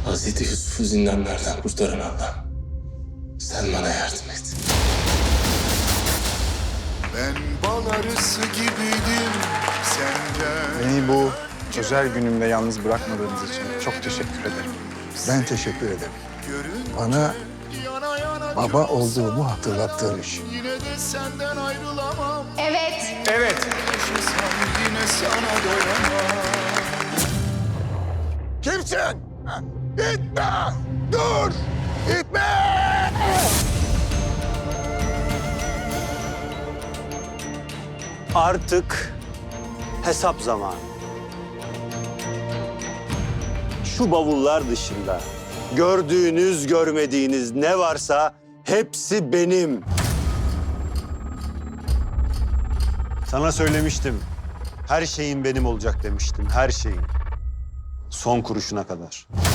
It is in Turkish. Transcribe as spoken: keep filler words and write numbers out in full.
Hazreti Yusuf'u zindanlardan kurtaran Allah. Sen bana yardım et. Ben bal arısı gibiydim senden. Beni bu özel günümde yalnız bırakmadığınız için çok teşekkür ederim. Ben teşekkür ederim. Bana baba olduğumu hatırlattığın için. Yine de senden ayrılamam. Evet. Evet. Yaşasam yine sana doyamam. Kimsin? Gitme! Dur! Gitme! Artık hesap zamanı. Şu bavullar dışında gördüğünüz, görmediğiniz ne varsa hepsi benim. Sana söylemiştim. Her şeyin benim olacak demiştim, her şeyin. Son kuruşuna kadar.